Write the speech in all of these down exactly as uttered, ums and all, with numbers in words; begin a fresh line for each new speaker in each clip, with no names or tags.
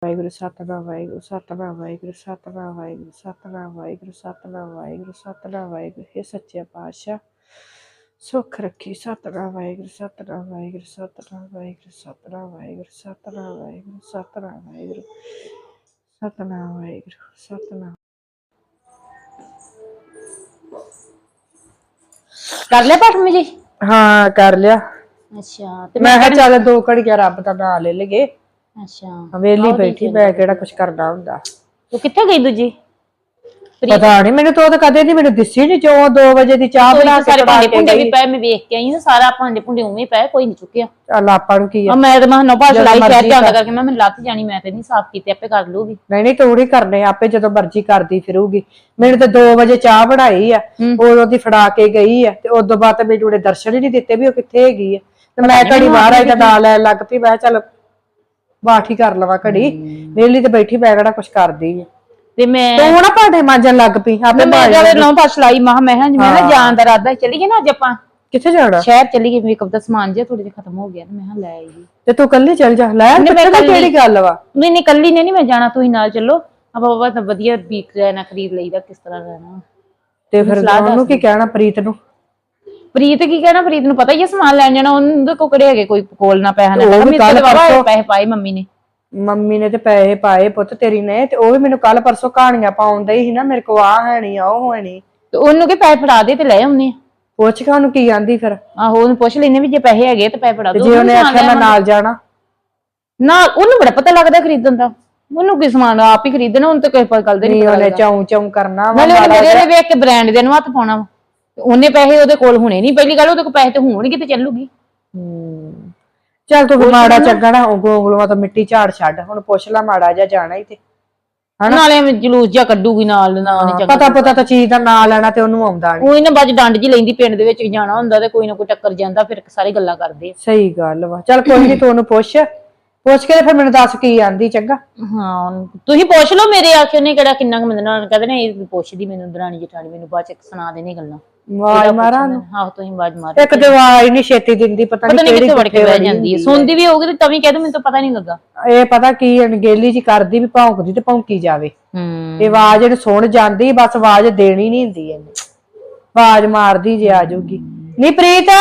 ਵਾਹਿਗੁਰੂ ਸਤਨਾਮ ਵਾਹਿਗੁਰੂ ਸਤਨਾਮ ਵਾਹਿਗੁਰੂ ਸਤਨਾਮ ਵਾਹਿਗੁਰੂ ਸਤਨਾਮ ਵਾਹਿਗੁਰੂ ਸਤਨਾਮ ਵਾਹਿਗੁਰੂ ਸਤਨਾਮ ਵਾਹਿਗੁਰੂ हे ਸੱਚੇ ਪਾਤਸ਼ਾਹ ਸੁੱਖ ਰੱਖੀ ਸਤਨਾਮ ਵਾਹਿਗੁਰੂ ਸਤਨਾਮ ਵਾਹਿਗੁਰੂ ਸਤਨਾਮ ਵਾਹਿਗੁਰੂ ਸਤਨਾਮ ਵਾਹਿਗੁਰੂ ਸਤਨਾਮ ਵਾਹਿਗੁਰੂ ਸਤਨਾਮ ਵਾਹਿਗੁਰੂ ਸਤਨਾਮ ਵਾਹਿਗੁਰੂ ਸਤਨਾਮ।
ਕਰ ਲਿਆ ਪਾਠ ਮੰਮੀ ਜੀ?
ਹਾਂ ਕਰ ਲਿਆ।
ਅੱਛਾ
ਤੇ ਮੈਂ ਕਿਹਾ ਚੱਲ ਦੋ ਘੜੀਆਂ ਰੱਬ ਦਾ ਨਾਂ ਲੈ ਲਈਏ।
ਅੱਛਾ
ਵੇਲੀ ਬੈਠੀ ਮੈਂ ਕਿਹੜਾ ਕੁਛ ਕਰਨਾ ਹੁੰਦਾ।
ਤੂੰ ਕਿੱਥੇ ਗਈ ਦੂਜੀ?
ਪਤਾ ਨਹੀਂ ਮੈਨੂੰ ਤਾਂ ਉਹ ਕਦੇ ਨਹੀਂ ਮੈਨੂੰ ਦਿਸੀ ਨਹੀਂ ਜੋ ਦੋ ਵਜੇ ਦੀ ਚਾਹ ਬਣਾ ਕੇ
ਸਾਰੇ ਭਾਂਡੇ ਭੁੰਡੇ ਵੀ ਪਏ, ਮੈਂ ਵੇਖ ਕੇ ਆਈ ਹਾਂ ਸਾਰਾ ਭਾਂਡੇ ਭੁੰਡੇ ਉਵੇਂ ਪਏ, ਕੋਈ ਨਹੀਂ ਚੁੱਕਿਆ।
ਚੱਲ ਆਪਾਂ ਨੂੰ ਕੀ ਆ,
ਮੈਂ ਤਾਂ ਮੈਂ ਨੋਬਾ ਸਲਾਈ ਸ਼ਹਿਰ ਜਾਂਦਾ ਕਰਕੇ ਮੈਂ ਮੈਨੂੰ ਲੱਤ ਜਾਣੀ, ਮੈਂ ਤੇ ਨਹੀਂ ਸਾਫ਼ ਕੀਤੇ, ਆਪੇ ਕਰ ਲੂਗੀ।
ਨਹੀਂ ਨਹੀਂ ਤੂੰ ਨਹੀਂ ਕਰਨੇ, ਆਪੇ ਜਦੋਂ ਮਰਜ਼ੀ ਕਰਦੀ ਫਿਰੂਗੀ। ਮੈਨੂੰ ਤਾਂ ਦੋ ਵਜੇ ਚਾਹ ਬਣਾਈ ਆ, ਉਦੋਂ ਦੀ ਫੜਾ ਕੇ ਗਈ ਆ ਤੇ ਉਦੋਂ ਬਾਅਦ ਮੈਨੂੰ ਉਹਨੇ ਦਰਸ਼ਨ ਹੀ ਨਹੀਂ ਦਿੱਤੇ ਵੀ ਉਹ ਕਿੱਥੇ ਹੈਗੀ ਆ। ਤੇ ਮੈਂ ਘੜੀ ਬਾਹਰ ਆਈ ਤਾਂ ਨਾਲ ਲੈਣ ਲੱਗ ਪਈ। ਮੈਂ ਚੱਲ ਬਾਠੀ ਕਰ ਲਵਾਂ ਘੜੀ, ਵੇਲੀ ਤੇ ਬੈਠੀ ਮੈਂ ਕਿਹੜਾ ਕੁਛ ਕਰਦੀ ਆ।
ਤੇ ਮੈਂ
ਤੂੰ ਨਾ ਭਾਂਡੇ ਮਾਂਜਣ ਲੱਗ ਪਈ ਆਪੇ।
ਮੈਂ ਜਦ ਨੌ ਪਾਸ ਲਾਈ ਮਾਂ ਮੈਂ ਹਾਂ ਮੈਂ ਜਾਣ ਦਾ ਇਰਾਦਾ ਚੱਲੀਏ ਨਾ ਅੱਜ ਆਪਾਂ।
ਕਿੱਥੇ ਜਾਣਾ? ਸ਼ਹਿਰ
ਚੱਲੀਏ, ਮੇਕਅਪ ਦਾ ਸਮਾਨ ਜਿਹਾ ਥੋੜਾ ਜਿਹਾ ਖਤਮ ਹੋ ਗਿਆ, ਮੈਂ ਹਾਂ ਲੈ ਆਈ। ਤੇ
ਤੂੰ ਕੱਲੀ ਚੱਲ ਜਾ। ਲੈ ਕਿਹੜੀ ਗੱਲ ਵਾ?
ਨਹੀਂ ਨਹੀਂ ਕੱਲੀ ਨੇ ਨਹੀਂ ਮੈਂ ਜਾਣਾ, ਤੁਸੀਂ ਨਾਲ ਚੱਲੋ। ਆਪਾਂ ਬਾਬਾ ਵਧੀਆ ਬੀਕ ਰਹਿਣਾ ਖਰੀਦ ਲਈਦਾ, ਕਿਸ ਤਰ੍ਹਾਂ ਰਹਿਣਾ।
ਤੇ ਫਿਰ ਉਹਨੂੰ ਕੀ ਕਹਿਣਾ ਪ੍ਰੀਤ ਨੂੰ?
ਪ੍ਰੀਤ ਕੀ ਕਹਿਣਾ? ਪ੍ਰੀਤ ਨੂੰ ਪਤਾ ਹੀ ਹੈ ਸਮਾਨ ਲੈਣ ਜਾਣਾ, ਉਹਦੇ ਕੋਲ ਕਿਹੜੇ ਹੈਗੇ ਕੋਈ ਕੋਲ ਨਾ ਪੈਸਾ ਨਾ। ਪੈਸੇ ਪਾਏ ਮੰਮੀ ਨੇ।
ਮੰਮੀ ਨੇ ਤੇ ਪੈਸੇ ਪਾਏ ਪੁੱਤ ਤੇਰੀ ਨੇ, ਤੇ ਉਹ ਵੀ ਮੈਨੂੰ ਕੱਲ ਪਰਸੋਂ ਕਹਾਣੀਆਂ ਪਾਉਂਦੇ ਹੀ ਨਾ ਮੇਰੇ ਕੋ ਆ ਹੈ ਨੀ ਆ ਉਹ ਹੈ ਨੀ।
ਤੇ ਉਹਨੂੰ ਕਿ ਪੈਸੇ ਫੜਾ ਦੇ ਤੇ ਲੈ ਆਉਨੇ।
ਪੁੱਛ ਕੇ ਉਹਨੂੰ ਕੀ ਆਂਦੀ ਫਿਰ?
ਆਹੋ ਉਹਨੂੰ ਪੁੱਛ ਲੈਨੇ ਵੀ ਜੇ ਪੈਸੇ ਹੈਗੇ ਤੇ ਪੈਸੇ ਫੜਾ ਦੋ।
ਜੇ ਉਹਨੇ ਆਖਿਆ ਮੈਂ ਨਾਲ ਜਾਣਾ,
ਨਾ ਉਹਨੂੰ ਬੜਾ ਪਤਾ ਲੱਗਦਾ ਖਰੀਦਣ ਦਾ। ਉਹਨੂੰ ਕੀ ਸਮਾਨ ਆਪ ਹੀ ਖਰੀਦਣਾ, ਉਹਨੂੰ ਤਾਂ ਕੋਈ ਗੱਲ ਨਹੀਂ।
ਉਹਨੇ ਚਾਉਂ ਚਾਉਂ ਕਰਨਾ ਵਾ,
ਮੇਰੇ ਵੇਖ ਕੇ ਬ੍ਰਾਂਡ ਦੇ ਨੂੰ ਹੱਥ ਪਾਉਣਾ ਵਾ। ਉਹਨੇ ਪੈਸੇ ਉਹਦੇ ਕੋਲ ਹੋਣੇ ਨਹੀਂ, ਪਹਿਲੀ ਗੱਲ ਉਹਦੇ ਕੋਲ ਪੈਸੇ ਤੇ ਹੋਣਗੇ ਤੇ ਚੱਲੂਗੀ।
ਹੂੰ ਚੱਲ ਤੂੰ ਮਾੜਾ ਚੰਗਾ ਨਾ ਗੋਗਲੂਆਂ ਤੋਂ ਮਿੱਟੀ ਝਾੜ ਛੱਡ, ਹੁਣ ਪੁੱਛ ਲੈ ਮਾੜਾ ਜਿਹਾ ਜਾਣਾ ਹੀ ਤੇ
ਨਾਲੇ ਜਲੂਸ ਜਿਹਾ ਕੱਢੂਗੀ ਨਾਲ।
ਪਤਾ ਪਤਾ ਤਾਂ ਚੀਜ਼ ਦਾ ਨਾਂ ਲੈਣਾ ਤੇ ਉਹਨੂੰ ਆਉਂਦਾ ਨੀ।
ਉਹੀ ਨਾ ਬਾਜ ਡੰਡ ਜੀ ਲੈਂਦੀ, ਪਿੰਡ ਦੇ ਵਿੱਚ ਜਾਣਾ ਹੁੰਦਾ ਤੇ ਕੋਈ ਨਾ ਕੋਈ ਟੱਕਰ ਜਾਂਦਾ, ਫਿਰ ਸਾਰੇ ਗੱਲਾਂ ਕਰਦੇ।
ਸਹੀ ਗੱਲ ਵਾ। ਚੱਲ ਕੋਈ ਨੀ, ਤੂੰ ਉਹਨੂੰ ਪੁੱਛ ਪੁੱਛ ਕੇ ਫਿਰ ਮੈਨੂੰ ਦੱਸ ਕੀ ਆਂਦੀ। ਚੰਗਾ
ਹਾਂ ਤੁਸੀਂ ਪੁੱਛ ਲਓ, ਮੇਰੇ ਆਖੇ ਉਹਨੇ ਕਿਹੜਾ ਕਿੰਨਾ ਕੁ ਮੰਨਣਾ। ਕਹਿੰਦੇ ਨੇ ਇਹ ਪੁੱਛਦੀ ਮੈਨੂੰ ਦਰਾਣੀ ਜਠਾਣੀ, ਮੈਨੂੰ ਬਾਅਦ ਚ ਸੁਣਾ ਦੇਣੀ ਗੱਲਾਂ।
ਆਵਾਜ਼ ਮਾਰਾਂ?
ਹਾਂ ਤੁਸੀਂ ਆਵਾਜ਼ ਮਾਰੋ।
ਇੱਕ ਤੇ ਆਵਾਜ਼ ਨਹੀਂ ਛੇਤੀ ਦਿੰਦੀ, ਪਤਾ ਨਹੀਂ ਕਿਹੜੀ
ਵੜ ਕੇ ਬਹਿ ਜਾਂਦੀ ਹੈ। ਸੁਣਦੀ ਵੀ ਹੋਊਗੀ ਤਾਂ ਵੀ ਕਹਿ ਦੂੰ ਮੈਨੂੰ ਤਾਂ ਪਤਾ ਨਹੀਂ ਲੱਗਾ।
ਇਹ ਪਤਾ ਕੀ ਅਣਗੇਲੀ ਜੀ ਕਰਦੀ ਵੀ ਭੌਂਕਦੀ ਤੇ ਭੌਂਕੀ ਜਾਵੇ। ਇਹ ਆਵਾਜ਼ ਇਹਨੂੰ ਸੁਣ ਜਾਂਦੀ, ਬਸ ਆਵਾਜ਼ ਦੇਣੀ ਨਹੀਂ ਹੁੰਦੀ ਇਹਨੇ। ਆਵਾਜ਼ ਮਾਰਦੀ ਜੇ ਆ ਜਾਊਗੀ। ਨੀ ਪ੍ਰੀਤ,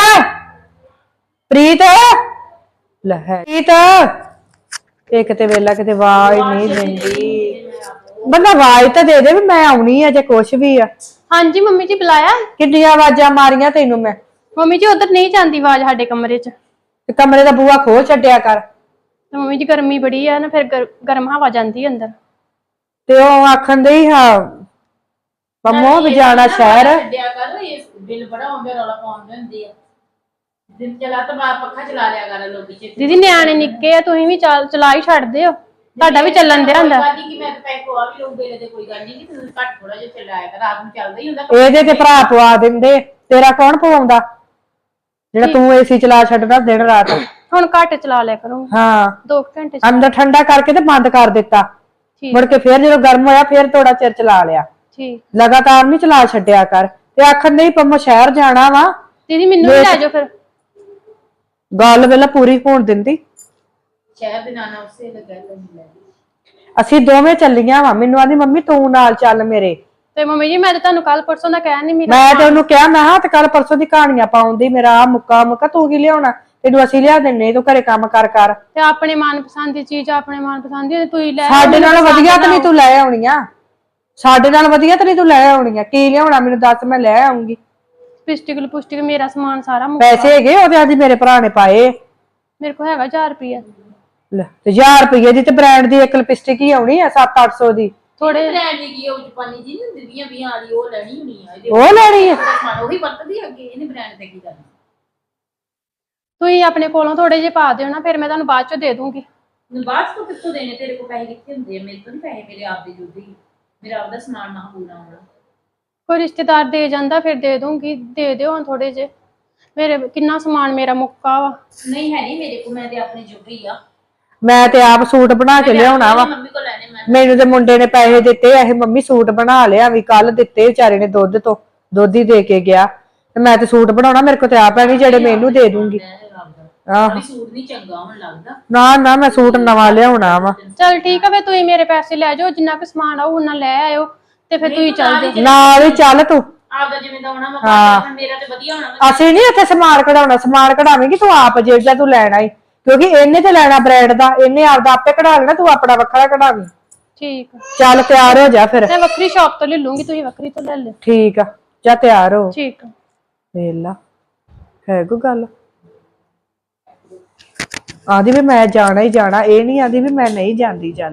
ਪ੍ਰੀਤ ਲੈ ਹੈ ਪ੍ਰੀਤ। ਇੱਕ ਤੇ ਵੇਲਾ ਕਿਤੇ ਆਵਾਜ਼ ਨਹੀਂ ਦਿੰਦੀ। ਬੰਦਾ ਆਵਾਜ਼ ਤਾਂ ਦੇ ਦੇ ਵੀ ਮੈਂ ਆਉਣੀ ਆ ਜੇ ਕੁਛ ਵੀ ਆ।
ਹਾਂਜੀ ਮੰਮੀ ਜੀ ਬੁਲਾਇਆ?
ਕਿੰਨੀਆਂ ਆਵਾਜ਼ਾਂ ਮਾਰੀਆਂ ਤੈਨੂੰ ਮੈਂ।
ਮੰਮੀ ਜੀ ਉਧਰ ਨਹੀਂ ਜਾਂਦੀ ਆਵਾਜ਼ ਸਾਡੇ ਕਮਰੇ 'ਚ।
ਤੇ ਕਮਰੇ ਦਾ ਬੂਹਾ ਖੋਲ ਛੱਡਿਆ ਕਰ।
ਮੰਮੀ ਜੀ ਗਰਮੀ ਬੜੀ ਆ ਨਾ, ਫਿਰ ਗਰਮ ਹਵਾ ਜਾਂਦੀ ਅੰਦਰ।
ਤੇ ਉਹ ਆਖਣ ਦੇ ਹੀ ਹਾਂ ਪੰਮੋ ਵੀ ਜਾਣਾ ਸ਼ਹਿਰ।
ਛੱਡਿਆ ਕਰ, ਇਹ ਬਿੱਲ ਬੜਾ ਆਉਂਦਾ, ਰੌਲਾ ਪਾਉਂਦੇ ਹੁੰਦੇ ਆ। ਦਿਨ ਚਲਾ ਤਾਂ ਬਾਹਰ ਪੱਖਾ ਚਲਾ ਲਿਆ ਕਰ ਲੋਕੀ ਚ।
ਦੀਦੀ ਨਿਆਣੇ ਨਿੱਕੇ ਆ, ਤੁਸੀਂ ਵੀ ਚਲਾ ਹੀ ਛੱਡਦੇ ਹੋ, ਤੁਹਾਡਾ ਵੀ ਚੱਲਣ ਦਿਆ ਹੁੰਦਾ।
ਕਿ ਮੈਂ ਤਾਂ ਪੈਸੇ ਪਵਾ ਵੀ ਲਊ ਬਿੱਲ ਦੇ, ਕੋਈ ਗੱਲ ਨਹੀਂ, ਤੁਸੀਂ ਘੱਟ ਥੋੜਾ ਜਿਹਾ ਚਲਾਇਆ ਕਰ, ਰਾਤ ਨੂੰ ਚੱਲਦਾ ਹੀ ਹੁੰਦਾ।
ਇਹਦੇ ਤੇ ਭਰਾ ਪਵਾ ਦਿੰਦੇ, ਤੇਰਾ ਕੌਣ ਪਵਾਉਂਦਾ ਜਿਹੜਾ ਤੂੰ ਏਸੀ ਚਲਾ ਛੱਡਦਾ ਦਿਨ ਰਾਤ।
ਹੁਣ ਘੱਟ ਚਲਾ ਲਿਆ ਕਰੋ।
ਹਾਂ
ਦੋ ਘੰਟੇ
ਅੰਦਰ ਠੰਡਾ ਕਰਕੇ ਤੇ ਬੰਦ ਕਰ ਦਿੱਤਾ, ਮੁੜ ਕੇ ਫੇਰ ਜਦੋਂ ਗਰਮ ਹੋਇਆ ਫੇਰ ਥੋੜਾ ਚਿਰ ਚਲਾ ਲਿਆ।
ਠੀਕ,
ਲਗਾਤਾਰ ਨਹੀਂ ਚਲਾ ਛੱਡਿਆ ਕਰ। ਤੇ ਆਖਣ ਨਹੀਂ ਪੰਮੋ ਸ਼ਹਿਰ ਜਾਣਾ ਵਾ।
ਦੀਦੀ ਮੈਨੂੰ ਵੀ ਲੈ ਜਾਓ ਫਿਰ।
ਗੱਲ ਵੇਲਾ ਪੂਰੀ ਹੋਣ ਦਿੰਦੀ।
ਸ਼ਹਿਰ ਦੇ ਨਾਨਾ ਉਸੇ ਲੱਗਾ ਲੈ।
ਅਸੀਂ ਦੋਵੇਂ ਚੱਲੀਆਂ ਵਾ। ਮੈਨੂੰ ਆਂਦੀ ਮੰਮੀ ਤੂੰ ਨਾਲ ਚੱਲ ਮੇਰੇ।
ਤੇ ਮੰਮੀ ਜੀ ਮੈਂ ਤਾਂ ਤੁਹਾਨੂੰ ਕੱਲ ਪਰਸੋਂ ਦਾ ਕਹਿ ਨਹੀਂ ਮੇਰਾ।
ਮੈਂ ਤੇ ਉਹਨੂੰ ਕਿਹਾ ਮੈਂ ਹਾਂ ਤੇ ਕੱਲ ਪਰਸੋਂ ਦੀ ਕਹਾਣੀਆਂ ਪਾਉਂਦੀ, ਮੇਰਾ ਆ ਮੁੱਕਾ ਮੁੱਕਾ ਤੂੰ ਕੀ ਲਿਆਉਣਾ, ਤੈਨੂੰ ਅਸੀਂ ਲਿਆ ਦਿੰਨੇ, ਤੂੰ ਘਰੇ ਕੰਮ ਕਰ ਕਰ।
ਤੇ ਆਪਣੇ ਮਨਪਸੰਦ ਦੀ ਚੀਜ਼ ਆਪਣੇ ਮਨਪਸੰਦ ਦੀ ਤੂੰ ਲੈ।
ਸਾਡੇ ਨਾਲ ਵਧੀਆ ਤਾਂ ਨਹੀਂ ਤੂੰ ਲੈ ਆਉਣੀਆਂ, ਸਾਡੇ ਨਾਲ ਵਧੀਆ ਤਾਂ ਨਹੀਂ ਤੂੰ ਲੈ ਆਉਣੀਆਂ। ਕੀ ਲਿਆਉਣਾ ਮੈਨੂੰ ਦੱਸ, ਮੈਂ ਲੈ ਆਉਂਗੀ।
ਲਿਪਸਟਿਕ ਲਿਪਸਟਿਕ ਮੇਰਾ ਸਮਾਨ ਸਾਰਾ
ਪੈਸੇ ਹੈਗੇ ਉਹਦੇ, ਅੱਜ ਮੇਰੇ ਭਰਾ ਨੇ ਪਾਏ।
ਮੇਰੇ ਕੋਲ ਹੈਗਾ ਹਜ਼ਾਰ ਰੁਪਇਆ।
ਲੈ ਤੇ ਹਜ਼ਾਰ ਰੁਪਏ ਦੀ ਤੇ ਬ੍ਰਾਂਡ ਦੀ ਇੱਕ ਲਿਪਸਟਿਕ ਹੀ ਆਉਣੀ ਆ ਸੱਤ ਅੱਠ ਸੌ ਦੀ।
ਥੋੜੇ ਬ੍ਰਾਂਡ ਦੀ ਕੀ ਉਹ ਜਪਾਨੀ ਜੀ ਨਹੀਂ ਦਿੰਦੀਆਂ ਵੀਹਾਂ ਵਾਲੀ, ਉਹ ਲੈਣੀ ਹੋਣੀ ਆ।
ਉਹ ਲੈਣੀ ਆ,
ਉਹੀ ਵਰਤਦੀ ਅੱਗੇ, ਇਹਨੇ ਬ੍ਰਾਂਡ ਤੇ ਕੀ ਕਰਨਾ।
ਤੁਸੀਂ ਆਪਣੇ ਕੋਲੋਂ ਥੋੜੇ ਜਿਹੇ ਪਾ ਦਿਓ ਨਾ, ਫਿਰ ਮੈਂ ਤੁਹਾਨੂੰ ਬਾਅਦ ਚੋਂ ਦੇ ਦੂੰਗੀ।
ਬਾਅਦ ਤੋਂ ਕਿੱਥੋਂ ਦੇਣੇ? ਤੇਰੇ ਕੋਲ ਪੈਸੇ ਕਿੱਥੇ ਹੁੰਦੇ ਆ? ਮੇਰੇ ਤੋਂ ਨਹੀਂ ਪੈਸੇ, ਮੇਰੇ ਆਪ ਦੇ ਜੁੜਦੇ ਹੀ। ਮੇਰਾ ਆਪਦਾ ਸਮਾਨ ਨਾ ਪੂਰਾ ਹੋਣਾ।
ਕੋਈ ਰਿਸ਼ਤੇਦਾਰ ਦੇ ਜਾਂਦਾ ਫਿਰ ਦੇ ਦੂੰਗੀ। ਦੇ ਦਿਓ ਹੁਣ ਥੋੜੇ ਜਿਹੇ, ਮੇਰੇ ਕਿੰਨਾ ਸਮਾਨ ਮੇਰਾ ਮੁੱਕਾ ਵਾ।
ਨਹੀਂ ਹੈ ਨਹੀਂ ਮੇਰੇ ਕੋਲ, ਮੈਂ ਤੇ ਆਪਣੇ ਜੁਗੀ ਆ।
ਮੈਂ ਤੇ ਆਪ ਸੂਟ ਬਣਾ ਕੇ ਲਿਆਉਣਾ ਵਾ।
ਮੰਮੀ ਕੋਲ ਲੈਣੇ ਮੈਂ।
ਮੈਨੂੰ ਤੇ ਮੁੰਡੇ ਨੇ ਪੈਸੇ ਦਿੱਤੇ, ਇਹ ਮੰਮੀ ਸੂਟ ਬਣਾ ਲਿਆ ਵੀ ਕੱਲ ਦਿੱਤੇ ਵਿਚਾਰੇ ਨੇ, ਦੁੱਧ ਤੋਂ ਦੁੱਧ ਹੀ ਦੇ ਕੇ ਗਿਆ। ਤੇ ਮੈਂ ਤੇ ਸੂਟ ਬਣਾਉਣਾ, ਮੇਰੇ ਕੋਲ ਤੇ ਆਪ ਹੈ ਨਹੀਂ ਜਿਹੜੇ ਮੈਨੂੰ ਦੇ ਦੂੰਗੀ। ਆਹ
ਸੂਟ ਨਹੀਂ ਚੰਗਾ ਹੁਣ ਲੱਗਦਾ।
ਨਾ ਨਾ ਮੈਂ ਸੂਟ ਨਵਾਂ ਲਿਆਉਣਾ ਵਾ।
ਚਲ ਠੀਕ ਆ, ਫੇ ਤੁਸੀਂ ਮੇਰੇ ਪੈਸੇ ਲੈ ਜਾਓ, ਜਿੰਨਾ ਕੁ ਸਮਾਨ ਆਊ ਉਹਨਾਂ ਲੈ ਆਇਓ ਤੇ ਫੇ ਤੁਸੀਂ ਚੱਲ ਜਾਓ।
ਨਾਲ ਹੀ ਚੱਲ ਤੂੰ।
ਆਪਦਾ ਜਿਵੇਂ ਦਾ ਹੋਣਾ ਮੈਂ ਮੇਰਾ ਤੇ ਵਧੀਆ ਹੋਣਾ।
ਅਸੀਂ ਨਹੀਂ ਇੱਥੇ ਸਮਾਨ ਕਢਾਉਣਾ, ਸਮਾਨ ਕਢਾਵੇਂਗੀ ਤੂੰ ਆਪ ਜਿਹੜਾ ਤੂੰ ਲੈਣਾ ਹੀ, ਕਿਉਂਕਿ ਇਹਨੇ ਤੇ ਲੈਣਾ ਬ੍ਰਾਂਡ ਦਾ, ਇਹਨੇ ਆਪਦਾ ਆਪੇ ਕਢਾ ਲੈਣਾ, ਤੂੰ ਆਪਣਾ ਵੱਖਰਾ ਕਢਾਵੀਂ।
ਠੀਕ ਆ,
ਚੱਲ ਤਿਆਰ ਹੋ ਜਾ ਫਿਰ।
ਮੈਂ ਵੱਖਰੀ ਸ਼ਾਪ ਤੋਂ ਲੈ ਲੂੰਗੀ, ਤੁਸੀਂ ਵੱਖਰੀ ਤੋਂ ਲੈ ਲਿਓ।
ਠੀਕ ਆ, ਜਾ ਤਿਆਰ ਹੋ।
ਠੀਕ ਆ।
ਵੇਲਾ ਹੈ ਕੋਈ ਗੱਲ ਆਂਦੀ ਵੀ ਮੈਂ ਜਾਣਾ ਹੀ ਜਾਣਾ, ਇਹ ਨਹੀਂ ਆਂਦੀ ਵੀ ਮੈਂ ਨਹੀਂ ਜਾਂਦੀ। ਚੱਲ